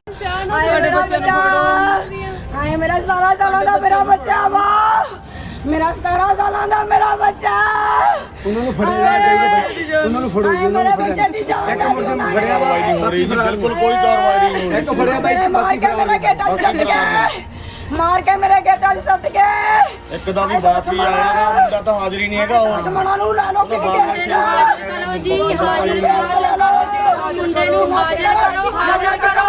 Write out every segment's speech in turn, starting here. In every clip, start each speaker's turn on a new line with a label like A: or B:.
A: मेरा 17 सालों का मेरा बच्चा वा मेरा 17 सालों का मेरा बच्चा मेरे बच्चे की जान
B: बिल्कुल कोई कार्रवाई नहीं हो रही।
A: मार के मेरा गेटा सट गया मार के मेरे गेटा सट गए
B: एक दा भी बाप भी आया ना मुंडा तो हाजिर ही नहीं हैगा और
A: दुश्मनां नूं ला लो कि
C: करो जी हाजिर करो मुंडे नूं हाजिर करो हाजिर करो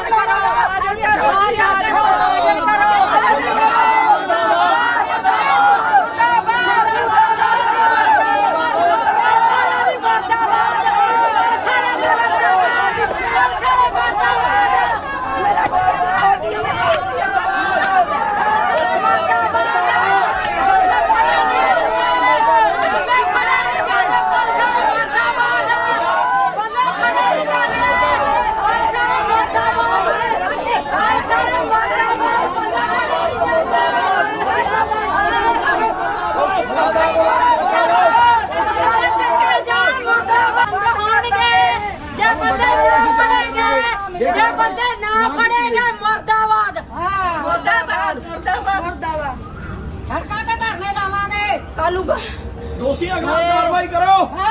B: दोषियों के खिलाफ कार्रवाई करो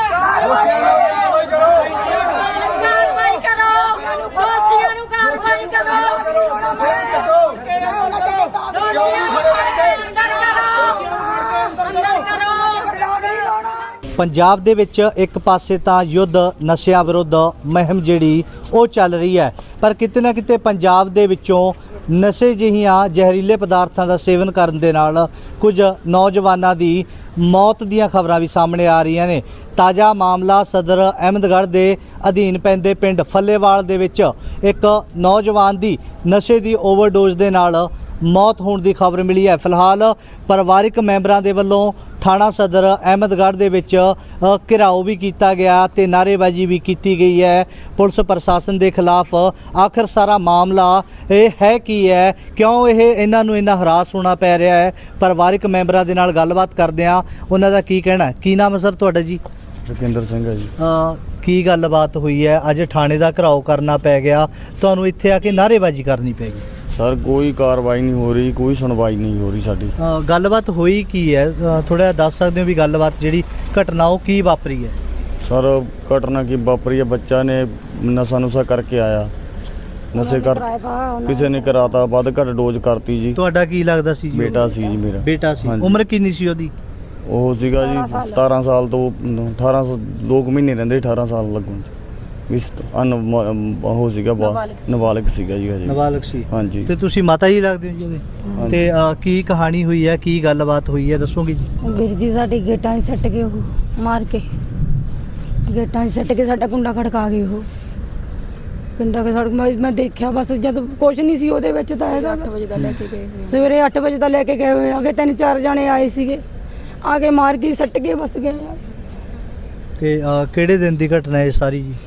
C: कार्रवाई करो दोषियों ਨੂੰ कार्रवाई करो
D: ਪੰਜਾਬ ਦੇ ਵਿੱਚ ਇੱਕ ਪਾਸੇ ਤਾਂ ਯੁੱਧ ਨਸ਼ਿਆਂ ਵਿਰੁੱਧ ਮੁਹਿੰਮ ਜਿਹੜੀ ਉਹ ਚੱਲ ਰਹੀ ਹੈ, ਪਰ ਕਿਤੇ ਨਾ ਕਿਤੇ ਪੰਜਾਬ ਦੇ ਵਿੱਚੋਂ ਨਸ਼ੇ ਜਿਹੀਆਂ ਜ਼ਹਿਰੀਲੇ ਪਦਾਰਥਾਂ ਦਾ ਸੇਵਨ ਕਰਨ ਦੇ ਨਾਲ ਕੁਝ ਨੌਜਵਾਨਾਂ ਦੀ ਮੌਤ ਦੀਆਂ ਖਬਰਾਂ ਵੀ ਸਾਹਮਣੇ ਆ ਰਹੀਆਂ ਨੇ। ਤਾਜ਼ਾ ਮਾਮਲਾ ਸਦਰ ਅਹਿਮਦਗੜ੍ਹ ਦੇ ਅਧੀਨ ਪੈਂਦੇ ਪਿੰਡ ਫੱਲੇਵਾਲ ਦੇ ਵਿੱਚ ਇੱਕ ਨੌਜਵਾਨ ਦੀ ਨਸ਼ੇ ਦੀ ਓਵਰਡੋਜ਼ ਦੇ ਨਾਲ ਮੌਤ ਹੋਣ ਦੀ ਖਬਰ ਮਿਲੀ ਹੈ। ਫਿਲਹਾਲ ਪਰਿਵਾਰਕ ਮੈਂਬਰਾਂ ਦੇ ਵੱਲੋਂ ਥਾਣਾ ਸਦਰ ਅਹਿਮਦਗੜ੍ਹ ਦੇ ਵਿੱਚ ਘਿਰਾਓ ਵੀ ਕੀਤਾ ਗਿਆ ਤੇ ਨਾਅਰੇਬਾਜ਼ੀ ਵੀ ਕੀਤੀ ਗਈ ਹੈ ਪੁਲਿਸ ਪ੍ਰਸ਼ਾਸਨ ਦੇ ਖਿਲਾਫ। ਆਖਰ ਸਾਰਾ ਮਾਮਲਾ ਇਹ ਹੈ ਕੀ ਹੈ, ਕਿਉਂ ਇਹਨਾਂ ਨੂੰ ਇੰਨਾ ਹਰਾਸ ਹੋਣਾ ਪੈ ਰਿਹਾ ਹੈ? ਪਰਿਵਾਰਕ ਮੈਂਬਰਾਂ ਦੇ ਨਾਲ ਗੱਲਬਾਤ ਕਰਦੇ ਹਾਂ, ਉਹਨਾਂ ਦਾ ਕੀ ਕਹਿਣਾ। ਕੀ ਨਾਮ ਹੈ ਸਰ ਤੁਹਾਡਾ ਜੀ?
B: ਜੋਗਿੰਦਰ ਸਿੰਘ ਹੈ ਜੀ।
D: ਕੀ ਗੱਲਬਾਤ ਹੋਈ ਹੈ? ਅੱਜ ਥਾਣੇ ਦਾ ਘਿਰਾਓ ਕਰਨਾ ਪੈ ਗਿਆ, ਤੁਹਾਨੂੰ ਇੱਥੇ ਆ ਕੇ ਨਾਅਰੇਬਾਜ਼ੀ ਕਰਨੀ ਪੈ ਗਈ।
B: ਸਰ ਕੋਈ ਕਾਰਵਾਈ ਨਹੀਂ ਹੋ ਰਹੀ, ਕੋਈ ਸੁਣਵਾਈ ਨਹੀਂ ਹੋ ਰਹੀ ਸਾਡੀ।
D: ਗੱਲਬਾਤ ਹੋਈ ਕੀ ਹੈ? ਥੋੜਾ ਦੱਸ ਸਕਦੇ ਹੋ ਵੀ ਗੱਲਬਾਤ ਜਿਹੜੀ ਘਟਨਾ ਉਹ ਕੀ ਵਾਪਰੀ ਹੈ?
B: ਸਰ ਘਟਨਾ ਕੀ ਵਾਪਰੀ ਹੈ, ਬੱਚਾ ਨੇ ਨਸ਼ਾ ਕਰਕੇ ਆਇਆ, ਨਸ਼ੇ ਕਰ ਕਿਸੇ ਨੇ ਕਰਾਤਾ, ਵੱਧ ਘੱਟ ਡੋਜ਼ ਕਰਤੀ ਜੀ।
D: ਤੁਹਾਡਾ ਕੀ ਲੱਗਦਾ ਸੀ ਜੀ?
B: ਬੇਟਾ ਸੀ ਜੀ ਮੇਰਾ।
D: ਬੇਟਾ ਸੀ। ਉਮਰ ਕਿੰਨੀ ਸੀ ਉਹਦੀ?
B: ਉਹ ਸੀਗਾ ਜੀ 17 ਸਾਲ ਤੋਂ 18 2 ਮਹੀਨੇ ਰਹਿੰਦੇ 18 ਸਾਲ ਲੱਗਣ ਚ ਇਸ ਉਹ ਸੀਗਾ ਨਾਬਾਲਗ ਸੀਗਾ ਜੀ ਹਜੇ।
D: ਨਾਬਾਲਗ ਸੀ।
B: ਹਾਂਜੀ।
D: ਤੇ ਤੁਸੀਂ ਮਾਤਾ ਜੀ ਲੱਗਦੇ ਹੋ ਜੀ ਉਹਦੇ? ਤੇ ਕੀ ਕਹਾਣੀ ਹੋਈ ਹੈ, ਕੀ ਗੱਲਬਾਤ ਹੋਈ ਹੈ, ਦੱਸੋਗੇ ਜੀ?
A: ਵੀਰ ਜੀ ਸਾਡੇ ਗੇਟਾਂ 'ਚ ਸੱਟ ਗਏ ਉਹ ਮਾਰ ਕੇ, ਗੇਟਾਂ 'ਚ ਸੱਟ ਕੇ ਸਾਡਾ ਕੁੰਡਾ ਖੜਕਾ ਗਏ ਉਹ। ਕੁੰਡਾ ਕੇ ਸੜਕ ਮੈਂ ਦੇਖਿਆ, ਬਸ ਜਦ ਕੁਛ ਨਹੀਂ ਸੀ ਉਹਦੇ ਵਿੱਚ ਤਾਂ ਹੈਗਾ। 8 ਵਜੇ ਦਾ ਲੈ ਕੇ ਗਏ, ਸਵੇਰੇ 8 ਵਜੇ ਦਾ ਲੈ ਕੇ ਗਏ ਹੋਏ ਆਗੇ। 3-4 ਜਣੇ ਆਏ ਸੀਗੇ, ਆ ਕੇ ਮਾਰ ਕੇ ਸੱਟ ਕੇ ਬਸ ਗਏ।
D: ਤੇ ਕਿਹੜੇ ਦਿਨ ਦੀ ਘਟਨਾ ਹੈ ਸਾਰੀ ਜੀ?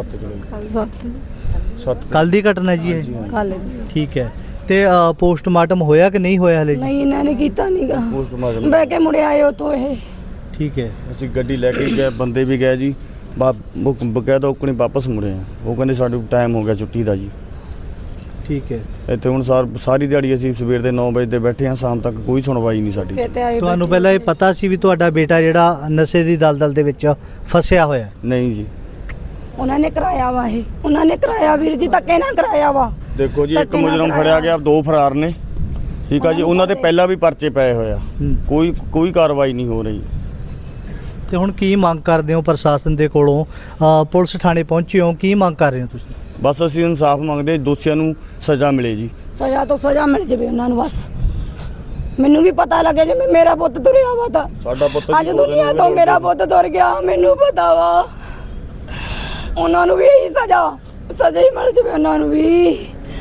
A: 7
D: ਕੱਲ ਦੀ ਘਟਨਾ ਜੀ ਇਹ?
A: ਕੱਲ।
D: ਠੀਕ ਹੈ। ਤੇ ਪੋਸਟਮਾਰਟਮ ਹੋਇਆ ਕਿ ਨਹੀਂ ਹੋਇਆ ਹਲੇ ਜੀ?
A: ਨਹੀਂ ਇਹਨਾਂ ਨੇ ਕੀਤਾ ਨਹੀਂਗਾ,
B: ਪੋਸਟਮਾਰਟਮ
A: ਬਹਿ ਕੇ ਮੁੜੇ ਆਏ ਉੱਥੋਂ ਇਹ।
D: ਠੀਕ ਹੈ।
B: ਅਸੀਂ ਗੱਡੀ ਲੈ ਕੇ ਗਏ, ਬੰਦੇ ਵੀ ਗਏ ਜੀ, ਬਕਾਇਦਾ ਉਕਣੀ ਵਾਪਸ ਮੁੜੇ ਆ। ਉਹ ਕਹਿੰਦੇ ਸਾਡੇ ਟਾਈਮ ਹੋ ਗਿਆ ਛੁੱਟੀ ਦਾ ਜੀ।
D: ਠੀਕ ਹੈ।
B: ਇੱਥੇ ਹੁਣ ਸਾਰੀ ਦਿਹਾੜੀ ਅਸੀਂ ਸਵੇਰ ਦੇ 9 ਵਜੇ ਤੇ ਬੈਠੇ ਹਾਂ, ਸ਼ਾਮ ਤੱਕ ਕੋਈ ਸੁਣਵਾਈ ਨਹੀਂ ਸਾਡੀ।
D: ਤੁਹਾਨੂੰ ਪਹਿਲਾਂ ਇਹ ਪਤਾ ਸੀ ਵੀ ਤੁਹਾਡਾ ਬੇਟਾ ਜਿਹੜਾ ਨਸ਼ੇ ਦੀ ਦਲਦਲ ਦੇ ਵਿੱਚ ਫਸਿਆ ਹੋਇਆ?
B: ਨਹੀਂ ਜੀ।
A: ਉਹਨਾਂ ਨੇ ਕਰਾਇਆ ਵਾ, ਇਹ ਉਹਨਾਂ ਨੇ ਕਰਾਇਆ ਵੀਰ ਜੀ, ਧੱਕੇ ਨਾਲ ਕਰਾਇਆ ਵਾ।
B: ਦੇਖੋ ਜੀ, ਇੱਕ ਮੁਜਰਮ ਫੜਿਆ ਗਿਆ, 2 ਫਰਾਰ ਨੇ। ਠੀਕ ਆ ਜੀ, ਉਹਨਾਂ ਦੇ ਪਹਿਲਾਂ ਵੀ ਪਰਚੇ ਪਏ ਹੋਏ ਆ, ਕੋਈ ਕਾਰਵਾਈ ਨਹੀਂ ਹੋ ਰਹੀ।
D: ਤੇ ਹੁਣ ਕੀ ਮੰਗ ਕਰਦੇ ਹੋ ਪ੍ਰਸ਼ਾਸਨ ਦੇ ਕੋਲੋਂ? ਪੁਲਿਸ ਥਾਣੇ ਪਹੁੰਚੇ ਹੋ, ਕੀ ਮੰਗ ਕਰ ਰਹੇ ਹੋ ਤੁਸੀਂ?
B: ਬਸ ਅਸੀਂ ਇਨਸਾਫ ਮੰਗਦੇ, ਦੋਸ਼ੀਆਂ ਨੂੰ ਸਜ਼ਾ ਮਿਲੇ ਜੀ।
A: ਸਜ਼ਾ ਤੋਂ ਸਜ਼ਾ ਮਿਲ ਜਾਵੇ ਉਹਨਾਂ ਨੂੰ ਬਸ। ਮੈਨੂੰ ਵੀ ਪਤਾ ਲੱਗੇ ਜਿਵੇਂ ਮੇਰਾ ਪੁੱਤ ਤੁਰਿਆ ਵਾ ਤਾਂ
B: ਸਾਡਾ ਪੁੱਤ
A: ਅੱਜ ਦੁਨੀਆ ਤੋਂ ਮੇਰਾ ਪੁੱਤ ਤੁਰ ਗਿਆ, ਮੈਨੂੰ ਪਤਾ ਵਾ। ਉਹਨਾਂ ਨੂੰ ਵੀ ਇਹੀ ਸਜ਼ਾ ਹੀ ਮਿਲ ਜਾਵੇ ਉਹਨਾਂ ਨੂੰ ਵੀ।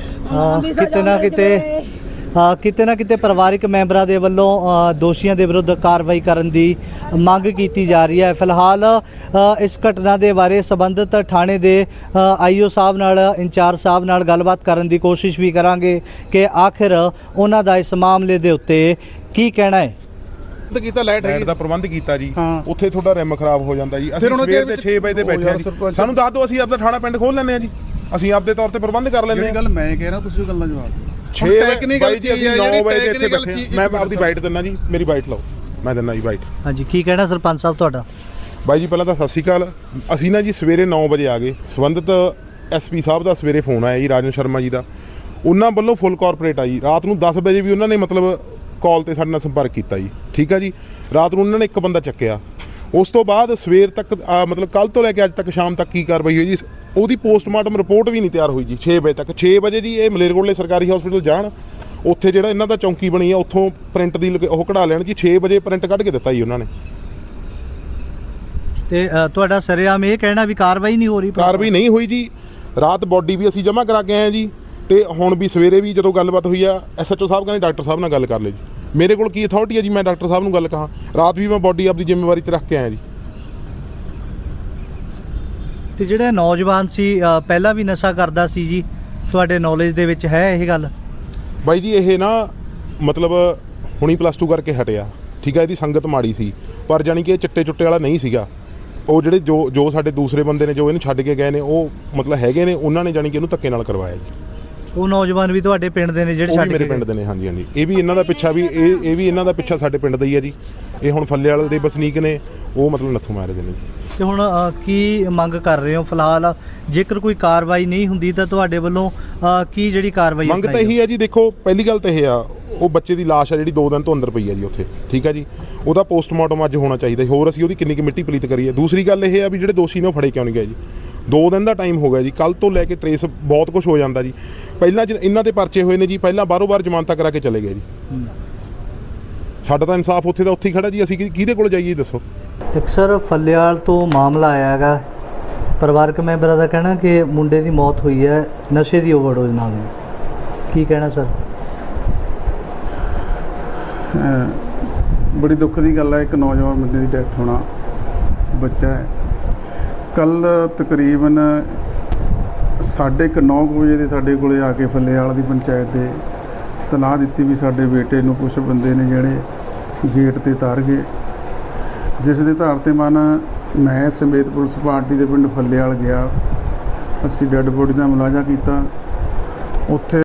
D: ਕਿਤੇ ਨਾ ਕਿਤੇ ਪਰਿਵਾਰਕ ਮੈਂਬਰਾਂ ਦੇ ਵੱਲੋਂ ਦੋਸ਼ੀਆਂ ਦੇ ਵਿਰੁੱਧ ਕਾਰਵਾਈ ਕਰਨ ਦੀ ਮੰਗ ਕੀਤੀ ਜਾ ਰਹੀ ਹੈ। ਫਿਲਹਾਲ ਇਸ ਘਟਨਾ ਦੇ ਬਾਰੇ ਸੰਬੰਧਿਤ ਥਾਣੇ ਦੇ ਆਈਓ ਸਾਹਿਬ ਨਾਲ, ਇੰਚਾਰਜ ਸਾਹਿਬ ਨਾਲ ਗੱਲਬਾਤ ਕਰਨ ਦੀ ਕੋਸ਼ਿਸ਼ ਵੀ ਕਰਾਂਗੇ ਕਿ ਆਖਿਰ ਉਹਨਾਂ ਦਾ ਇਸ ਮਾਮਲੇ ਦੇ ਉੱਤੇ ਕੀ ਕਹਿਣਾ ਹੈ।
E: ਕੀਤਾ ਲਾਈਟ ਦਾ ਪ੍ਰਬੰਧ ਕੀਤਾ ਜੀ, ਉੱਥੇ ਤੁਹਾਡਾ ਰਿਮ ਖਰਾਬ ਹੋ ਜਾਂਦਾ ਜੀ। ਅਸੀਂ ਸਵੇਰ ਦੇ 6 ਵਜੇ ਤੇ ਬੈਠੇ ਆ ਜੀ, ਸਾਨੂੰ ਦੱਸ ਦਿਓ, ਅਸੀਂ ਆਪਣਾ ਥਾਣਾ ਪਿੰਡ ਖੋਲ ਲੈਂਦੇ ਆ ਜੀ। ਅਸੀਂ ਆਪਦੇ ਤੌਰ ਤੇ ਪ੍ਰਬੰਧ ਕਰ ਲੈਂਦੇ
F: ਜਿਹੜੀ
E: ਹਾਂ।
F: ਗੱਲ ਮੈਂ ਕਹਿ ਰਿਹਾ ਤੁਸੀਂ ਉਹ ਗੱਲ ਦਾ ਜਵਾਬ ਦਿਓ।
E: 6
F: technical
E: ਵਜੇ ਜੀ ਅਸੀਂ
F: ਚੀਜ਼ ਹੈ
E: 9 ਵਜੇ ਦੇ ਇੱਥੇ
F: technical
E: ਬੈਠੇ
F: ਚੀਜ਼-
E: ਮੈਂ ਆਪਦੀ ਬਾਈਟ ਦਿੰਦਾ ਜੀ, ਮੇਰੀ ਬਾਈਟ ਲਓ, ਮੈਂ ਦਿੰਦਾ ਜੀ ਬਾਈਟ।
D: ਹਾਂਜੀ, ਕੀ ਕਹਿਣਾ ਸਰਪੰਚ ਸਾਹਿਬ ਤੁਹਾਡਾ?
E: ਬਾਈ ਜੀ ਪਹਿਲਾਂ ਤਾਂ ਸਤਿ ਸ਼੍ਰੀ ਅਕਾਲ। ਅਸੀਂ ਨਾ ਜੀ ਸਵੇਰੇ 9 ਵਜੇ ਆ ਗਏ, ਸੰਬੰਧਿਤ ਐਸਪੀ ਸਾਹਿਬ ਦਾ ਸਵੇਰੇ ਫੋਨ ਆਇਆ ਜੀ, ਰਾਜਨ ਸ਼ਰਮਾ ਜੀ ਦਾ, ਉਹਨਾਂ ਵੱਲੋਂ ਫੁੱਲ ਕਾਰਪੋਰੇਟ ਆਈ। ਰਾਤ ਨੂੰ 10 ਵਜੇ ਵੀ ਉਹਨਾਂ ਨੇ ਮਤਲਬ ਕਾਲ ਤੇ ਸਾਡੇ ਨਾਲ ਸੰਪਰਕ ਕੀਤਾ ਜੀ, ਠੀਕ ਆ ਜੀ। ਰਾਤ ਨੂੰ ਉਹਨਾਂ ਨੇ ਇੱਕ ਬੰਦਾ ਚੱਕਿਆ। ਉਸ ਤੋਂ ਬਾਅਦ ਸਵੇਰ ਤੱਕ ਮਤਲਬ ਕੱਲ ਤੋਂ ਲੈ ਕੇ ਅੱਜ ਤੱਕ ਸ਼ਾਮ ਤੱਕ ਕੀ ਕਾਰਵਾਈ ਹੋਈ ਜੀ, ਉਹਦੀ ਪੋਸਟਮਾਰਟਮ ਰਿਪੋਰਟ ਵੀ ਨਹੀਂ ਤਿਆਰ ਹੋਈ ਜੀ 6 ਵਜੇ ਤੱਕ। 6 ਵਜੇ ਜੀ ਇਹ ਮਲੇਰਕੋਟਲੇ ਸਰਕਾਰੀ ਹਸਪੀਟਲ ਜਾਣ, ਉੱਥੇ ਜਿਹੜਾ ਇਹਨਾਂ ਦਾ ਚੌਂਕੀ ਬਣੀ ਆ ਉੱਥੋਂ ਪ੍ਰਿੰਟ ਦੀ ਉਹ ਕਢਾ ਲੈਣ ਜੀ। 6 ਵਜੇ ਪ੍ਰਿੰਟ ਕੱਢ ਕੇ ਦਿੱਤਾ ਜੀ ਉਹਨਾਂ ਨੇ।
D: ਤੇ ਤੁਹਾਡਾ ਸਰੇਆਮ ਇਹ ਕਹਿਣਾ ਵੀ ਕਾਰਵਾਈ ਨਹੀਂ ਹੋ ਰਹੀ?
E: ਕਾਰਵਾਈ ਨਹੀਂ ਹੋਈ ਜੀ। ਰਾਤ ਬੋਡੀ ਵੀ ਅਸੀਂ ਜਮ੍ਹਾਂ ਕਰਾ ਕੇ ਆਏ ਜੀ, ਤੇ ਹੁਣ ਵੀ ਸਵੇਰੇ ਵੀ ਜਦੋਂ ਗੱਲਬਾਤ ਹੋਈ ਆ ਐਸਐਚਓ ਸਾਹਿਬ ਕਹਿੰਦੇ ਡਾਕਟਰ ਸਾਹਿਬ ਨਾਲ ਗੱਲ ਕਰ ਲਿਓ ਜੀ। ਮੇਰੇ ਕੋਲ ਕੀ ਅਥਾਰਟੀ ਹੈ ਜੀ ਮੈਂ ਡਾਕਟਰ ਸਾਹਿਬ ਨੂੰ ਗੱਲ ਕਹਾਂ? ਰਾਤ ਵੀ ਮੈਂ ਬੋਡੀ ਆਪਦੀ ਜ਼ਿੰਮੇਵਾਰੀ ਤੇ ਰੱਖ ਕੇ ਆਇਆ ਜੀ।
D: ਤੇ ਜਿਹੜਾ ਨੌਜਵਾਨ ਸੀ ਪਹਿਲਾਂ ਵੀ ਨਸ਼ਾ ਕਰਦਾ ਸੀ ਜੀ, ਤੁਹਾਡੇ ਨੌਲੇਜ ਦੇ ਵਿੱਚ ਹੈ ਇਹ ਗੱਲ?
E: ਬਾਈ ਜੀ ਇਹ ਨਾ ਮਤਲਬ ਹੁਣੀ +2 ਕਰਕੇ ਹਟਿਆ, ਠੀਕ ਹੈ। ਇਹਦੀ ਸੰਗਤ ਮਾੜੀ ਸੀ, ਪਰ ਜਾਣੀ ਕਿ ਇਹ ਚਿੱਟੇ ਚੁੱਟੇ ਵਾਲਾ ਨਹੀਂ ਸੀਗਾ। ਉਹ ਜਿਹੜੇ ਜੋ ਸਾਡੇ ਦੂਸਰੇ ਬੰਦੇ ਨੇ ਜੋ ਇਹਨੂੰ ਛੱਡ ਕੇ ਗਏ ਨੇ, ਉਹ ਮਤਲਬ ਹੈਗੇ ਨੇ, ਉਹਨਾਂ ਨੇ ਜਾਣੀ ਕਿ ਇਹਨੂੰ ਧੱਕੇ ਨਾਲ ਕਰਵਾਇਆ ਜੀ।
D: ਉਹ ਨੌਜਵਾਨ ਵੀ ਤੁਹਾਡੇ ਪਿੰਡ ਦੇ ਨੇ ਜਿਹੜੇ
E: ਉਹ
D: ਛੱਡ
E: ਵੀ
D: ਕੇ
E: ਮੇਰੇ ਪਿੰਡ ਦੇ ਨੇ, ਹਾਂਜੀ ਹਾਂਜੀ। ਇਹ ਵੀ ਇਹਨਾਂ ਦਾ ਪਿੱਛਾ ਵੀ ਇਹ ਵੀ ਇਹਨਾਂ ਦਾ ਪਿੱਛਾ ਸਾਡੇ ਪਿੰਡ ਦਾ ਹੀ ਹੈ ਜੀ। ਇਹ ਹੁਣ ਫੱਲੇ ਵਾਲੇ ਦੇ ਵਸਨੀਕ ਨੇ, ਉਹ ਮਤਲਬ ਨੱਥੂ ਮਾਰੇ ਦੇ ਨੇ ਜੀ।
D: ਤੇ ਹੁਣ ਕੀ ਮੰਗ ਕਰ ਰਹੇ ਹੋ ਫਿਲਹਾਲ? ਜੇਕਰ ਕੋਈ ਕਾਰਵਾਈ ਨਹੀਂ ਹੁੰਦੀ ਤਾਂ ਤੁਹਾਡੇ ਵੱਲੋਂ ਕੀ ਜਿਹੜੀ ਕਾਰਵਾਈ
E: ਮੰਗ ਤਾਂ ਇਹੀ ਹੈ ਜੀ। ਦੇਖੋ ਪਹਿਲੀ ਗੱਲ ਤਾਂ ਇਹ ਆ, ਉਹ ਬੱਚੇ ਦੀ ਲਾਸ਼ ਆ ਜਿਹੜੀ 2 ਦਿਨ ਤੋਂ ਅੰਦਰ ਪਈ ਆ ਜੀ ਉੱਥੇ, ਠੀਕ ਆ ਜੀ। ਉਹਦਾ ਪੋਸਟਮਾਰਟਮ ਅੱਜ ਹੋਣਾ ਚਾਹੀਦਾ। ਹੋਰ ਅਸੀਂ ਉਹਦੀ ਕਿੰਨੀ ਕੁ ਮਿੱਟੀ ਪਲੀਤ ਕਰੀਏ। ਦੂਸਰੀ ਗੱਲ ਇਹ ਆ ਵੀ ਜਿਹੜੇ ਦੋਸ਼ੀ ਨੇ ਉਹ ਫੜੇ ਕਿਉਂ ਨਹੀਂ ਗਏ ਜੀ? 2 ਦਿਨ ਦਾ ਟਾਈਮ ਹੋ ਗਿਆ ਜੀ, ਕੱਲ ਤੋਂ ਲੈ ਕੇ ਟਰੇਸ ਬਹੁਤ ਕੁਝ ਹੋ ਜਾਂਦਾ ਜੀ। ਪਹਿਲਾਂ ਇਹਨਾਂ ਦੇ ਪਰਚੇ ਹੋਏ ਨੇ ਜੀ, ਪਹਿਲਾਂ ਬਾਹਰੋਂ-ਬਾਹਰ ਜ਼ਮਾਨਤਾਂ ਕਰਾ ਕੇ ਚਲੇ ਗਏ ਜੀ। ਸਾਡਾ ਤਾਂ ਇਨਸਾਫ ਉੱਥੇ ਦਾ ਉੱਥੇ ਹੀ ਖੜਾ ਜੀ। ਅਸੀਂ ਕਿਹਦੇ ਕੋਲ ਜਾਈਏ ਦੱਸੋ?
D: ਇੱਕ ਸਰ ਫੱਲਿਆਲ ਤੋਂ ਮਾਮਲਾ ਆਇਆ ਹੈਗਾ, ਪਰਿਵਾਰਕ ਮੈਂਬਰਾਂ ਦਾ ਕਹਿਣਾ ਕਿ ਮੁੰਡੇ ਦੀ ਮੌਤ ਹੋਈ ਹੈ ਨਸ਼ੇ ਦੀ ਓਵਰਡੋਜ਼ ਨਾਲ। ਕੀ ਕਹਿਣਾ ਸਰ?
F: ਬੜੀ ਦੁੱਖ ਦੀ ਗੱਲ ਹੈ, ਇੱਕ ਨੌਜਵਾਨ ਬੰਦੇ ਦੀ ਡੈਥ ਹੋਣਾ, ਬੱਚਾ ਹੈ। ਕੱਲ ਤਕਰੀਬਨ 9:30 ਵਜੇ ਦੇ ਸਾਡੇ ਕੋਲੇ ਆ ਕੇ ਫੱਲੇਵਾਲ ਦੀ ਪੰਚਾਇਤ ਦੇ ਤਲਾਹ ਦਿੱਤੀ ਵੀ ਸਾਡੇ ਬੇਟੇ ਨੂੰ ਕੁਝ ਬੰਦੇ ਨੇ ਜਿਹੜੇ ਗੇਟ ਤੇ ਤਾਰ ਗਏ, ਜਿਸ ਦੇ ਆਧਾਰ ਤੇ ਮੈਂ ਸਮੇਤ ਪੁਲਿਸ ਪਾਰਟੀ ਦੇ ਪਿੰਡ ਫੱਲੇਵਾਲ ਗਿਆ। ਅਸੀਂ ਡੈੱਡ ਬੋਡੀ ਦਾ ਮੁਲਾਜ਼ਾ ਕੀਤਾ। ਉੱਥੇ